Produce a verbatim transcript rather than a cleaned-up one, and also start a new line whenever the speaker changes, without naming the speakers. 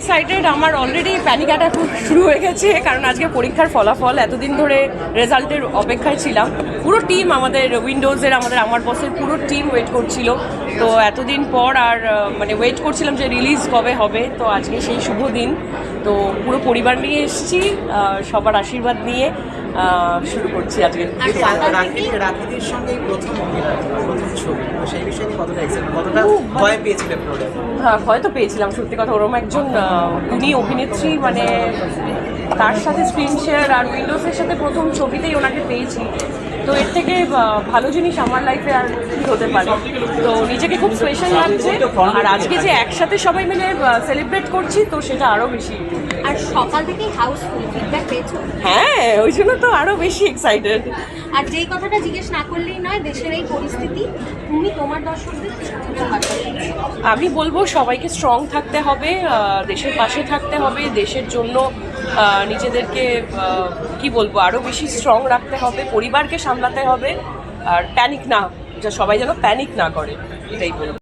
Excited, আমার already panic attack শুরু হয়ে গেছে, কারণ আজকে পরীক্ষার ফলাফল, এতদিন ধরে রেজাল্টের অপেক্ষায় ছিলাম। পুরো টিম আমাদের উইন্ডোজের, আমাদের আমার বসের পুরো টিম ওয়েট করছিল। তো এতদিন পর আর মানে ওয়েট করছিলাম যে রিলিজ কবে হবে। তো আজকে সেই শুভ দিন, তো পুরো পরিবার নিয়ে এসেছি, সবার আশীর্বাদ নিয়ে শুরু করছি আজকে।
রাখিদের সঙ্গে প্রথম প্রথম ছবি, তো সেই বিষয়ে কতটা এক্সাইটেড, কতটা ভয় পেয়েছিলেন?
হ্যাঁ, ভয় তো পেয়েছিলাম, সত্যি কথা। ওরকম একজন উনি অভিনেত্রী, মানে তার সাথে স্ক্রিন শেয়ার আর উইন্ডোজের সাথে প্রথম ছবিতেই ওনাকে পেয়েছি। তো এর থেকে ভালো জিনিস আমার লাইফে আর কী হতে পারে। তো নিজেকে খুব স্পেশাল লাগছে, আর আজকে যে একসাথে সবাই মিলে সেলিব্রেট করছি, তো সেটা আরও বেশি।
আর সকাল থেকেই হাউসফুল, ফিডব্যাক পেয়েছো?
হ্যাঁ, ওই জন্য তো আরও বেশি এক্সাইটেড।
আর যেই কথাটা জিজ্ঞেস না করলেই নয়, দেশের এই পরিস্থিতি, তুমি তোমার দর্শকদের
আমি বলবো সবাইকে স্ট্রং থাকতে হবে, দেশের পাশে থাকতে হবে, দেশের জন্য নিজেদেরকে কি বলবো আরও বেশি স্ট্রং রাখতে হবে, পরিবারকে সামলাতে হবে, আর প্যানিক না, সবাই যেন প্যানিক না করে, এটাই বলবো।